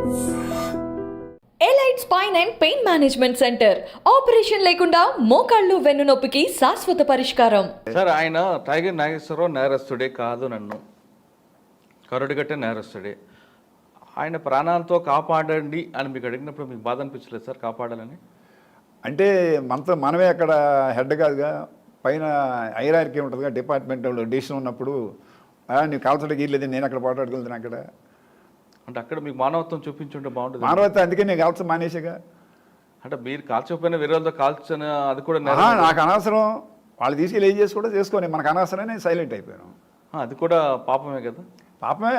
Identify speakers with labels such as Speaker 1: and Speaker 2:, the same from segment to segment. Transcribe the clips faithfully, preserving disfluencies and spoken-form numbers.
Speaker 1: Elite spine and pain management centre operation లేకుండా మోకాళ్ళు వెన్నునొప్పికి శాశ్వత పరిష్కారం.
Speaker 2: సార్, ఆయన టైగర్ నాగేశ్వరరావు నేరస్తుడే కాదు, నన్ను కరుడుగట్టే నేరస్తుడే. ఆయన ప్రాణాలతో కాపాడండి అని మీకు అడిగినప్పుడు మీకు బాధ అనిపించలేదు సార్ కాపాడాలని?
Speaker 3: అంటే మనతో మనమే అక్కడ హెడ్ కాదుగా, పైన ఐరార్కీ ఉంటుందిగా, డిపార్ట్మెంట్ డిసిషన్ ఉన్నప్పుడు నీకు కాల్చడానికి లేదు, నేను అక్కడ పోటాడుకెళ్తాను. అక్కడ
Speaker 2: అంటే అక్కడ మీకు మానవత్వం చూపించుంటే బాగుంటుంది.
Speaker 3: మానవత్వం అందుకే నేను కాల్చ మానేసాగా.
Speaker 2: అంటే మీరు కాల్చకపోయినా వేరే వాళ్ళతో కాల్చని అది కూడా
Speaker 3: నాకు అనవసరం, వాళ్ళు తీసుకెళ్ళి ఏం చేసి కూడా చేసుకొని మనకు అనవసరం, నేను సైలెంట్ అయిపోయాను.
Speaker 2: అది కూడా పాపమే కదా.
Speaker 3: పాపమే.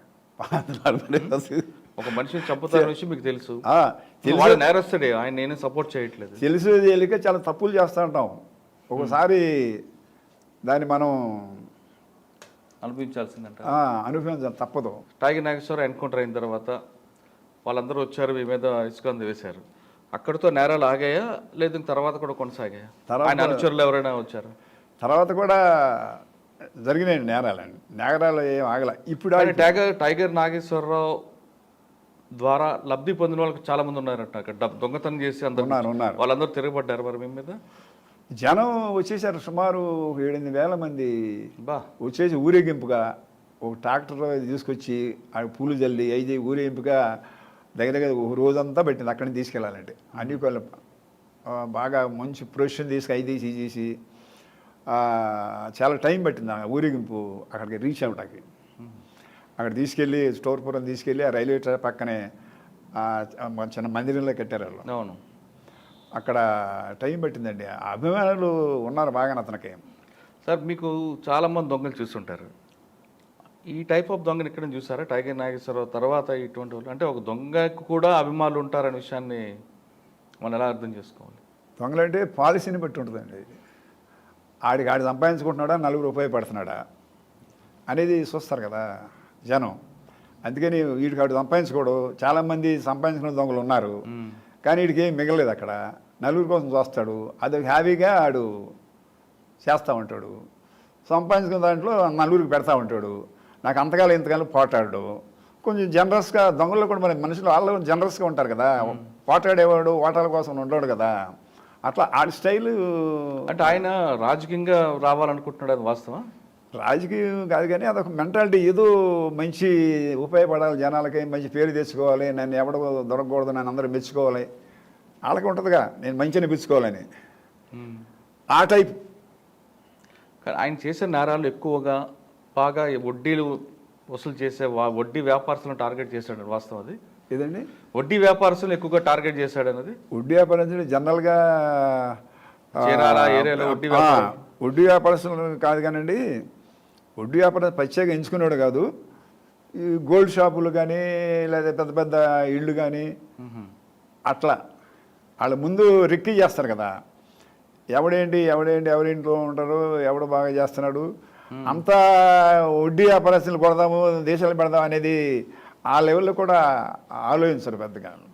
Speaker 2: ఒక మనిషిని చంపుతారు విషయం మీకు తెలుసు, నేరస్తుడే, ఆయన నేను సపోర్ట్ చేయట్లేదు.
Speaker 3: తెలుసు తెలియక చాలా తప్పులు చేస్తూ ఉంటాం. ఒకసారి దాన్ని మనం
Speaker 2: అనుభవించాల్సిందంట,
Speaker 3: అనుభవించాలి, తప్పదు.
Speaker 2: టైగర్ నాగేశ్వరరావు ఎన్కౌంటర్ అయిన తర్వాత వాళ్ళందరూ వచ్చారు, మీ మీద ఇసుకంది వేశారు. అక్కడితో నేరాలు ఆగాయా లేదు తర్వాత కూడా కొనసాగాయా? ఆయన అనుచరులు ఎవరైనా వచ్చారు?
Speaker 3: తర్వాత కూడా జరిగినాయి నేరాలండి. నేరాలు ఏం ఆగల. ఇప్పుడు
Speaker 2: టైగర్ టైగర్ నాగేశ్వరరావు ద్వారా లబ్ధి పొందిన వాళ్ళకి చాలా మంది ఉన్నారంట. అక్కడ దొంగతనం చేసి అందరూ
Speaker 3: ఉన్నారు ఉన్నారు
Speaker 2: వాళ్ళందరూ తిరగబడ్డారు మరి మీ మీద.
Speaker 3: జనం వచ్చేసారు, సుమారు ఏడెనిమిది వేల మంది
Speaker 2: బా
Speaker 3: వచ్చేసి ఊరేగింపుగా ఒక ట్రాక్టర్ తీసుకొచ్చి ఆ పూలు జల్లి అయితే ఊరేగింపుగా దగ్గర దగ్గర ఒక రోజంతా పెట్టింది అక్కడిని తీసుకెళ్ళాలంటే. అన్ని బాగా మంచి ప్రొఫెషన్ తీసుకు అయి తీసి చేసి చాలా టైం పట్టింది ఆ ఊరేగింపు అక్కడికి రీచ్ అవ్వడానికి. అక్కడ తీసుకెళ్ళి స్టోర్పురం తీసుకెళ్ళి ఆ రైల్వే ట్రాక్ పక్కనే చిన్న మందిరంలో కట్టారు వాళ్ళు.
Speaker 2: అవును,
Speaker 3: అక్కడ టైం పట్టిందండి. అభిమానులు ఉన్నారు బాగా అతనికి.
Speaker 2: సార్, మీకు చాలామంది దొంగలు చూస్తుంటారు. ఈ టైప్ ఆఫ్ దొంగని ఇక్కడ చూసారా? టైగర్ నాగేశ్వరరావు తర్వాత ఇటువంటి వాళ్ళు అంటే ఒక దొంగకు కూడా అభిమానులు ఉంటారనే విషయాన్ని మనం ఎలా అర్థం చేసుకోవాలి?
Speaker 3: దొంగలు అంటే పాలసీని బట్టి ఉంటుందండి. ఆడికి ఆడి సంపాదించుకుంటున్నాడా, నలుగురు ఉపయోగపడుతున్నాడా అనేది చూస్తారు కదా జనం. అందుకని వీడికి ఆడు సంపాదించుకోడు. చాలామంది సంపాదించుకున్న దొంగలు ఉన్నారు, కానీ వీడికి ఏం మిగలలేదు. అక్కడ నలుగురి కోసం చూస్తాడు, అది హ్యాపీగా ఆడు చేస్తూ ఉంటాడు. సంపాదించుకున్న దాంట్లో నలుగురికి పెడతా ఉంటాడు. నాకు అంతకాలం ఇంతకాలం పోటాడు. కొంచెం జనరస్గా దొంగల్లో కూడా మరి మనుషులు వాళ్ళు జనరస్గా ఉంటారు కదా. పోటాడేవాడు ఓటాల కోసం ఉండడు కదా. అట్లా ఆడి స్టైలు.
Speaker 2: అంటే ఆయన రాజకీయంగా రావాలనుకుంటున్నాడు, అది వాస్తవం?
Speaker 3: రాజకీయం కాదు కానీ అదొక మెంటాలిటీ. ఏదో మంచి ఉపయోగపడాలి, జనాలకి మంచి పేరు తెచ్చుకోవాలి, నన్ను ఎవడ దొరకకూడదు, నన్ను అందరూ మెచ్చుకోవాలి, వాళ్ళకి ఉంటుందిగా నేను మంచిగా మెచ్చుకోవాలని, ఆ టైప్.
Speaker 2: కానీ ఆయన చేసే నేరాలు ఎక్కువగా బాగా వడ్డీలు వసూలు చేసే వడ్డీ వ్యాపారస్తులను టార్గెట్ చేశాడు, వాస్తవం అది?
Speaker 3: ఏదండి?
Speaker 2: వడ్డీ వ్యాపారస్తులను ఎక్కువగా టార్గెట్ చేశాడు అన్నది.
Speaker 3: వడ్డీ వ్యాపారస్తులు జనరల్గా
Speaker 2: ఏరియాలో వడ్డీ
Speaker 3: వడ్డీ వ్యాపారస్తులు కాదు కానండి, వడ్డీ వ్యాపారం ప్రత్యేకంగా ఎంచుకునేవాడు కాదు. ఈ గోల్డ్ షాపులు కానీ లేదా పెద్ద పెద్ద ఇళ్ళు కానీ అట్లా వాళ్ళ ముందు రెక్కి చేస్తారు కదా. ఎవడేంటి ఎవడేంటి ఎవరింట్లో ఉంటారు, ఎవడు బాగా చేస్తున్నాడు, అంతా వడ్డీ వ్యాపారస్తులు కొడదాము, దేశాలు పెడదాం అనేది ఆ లెవెల్లో కూడా ఆలోచించరు పెద్దగా.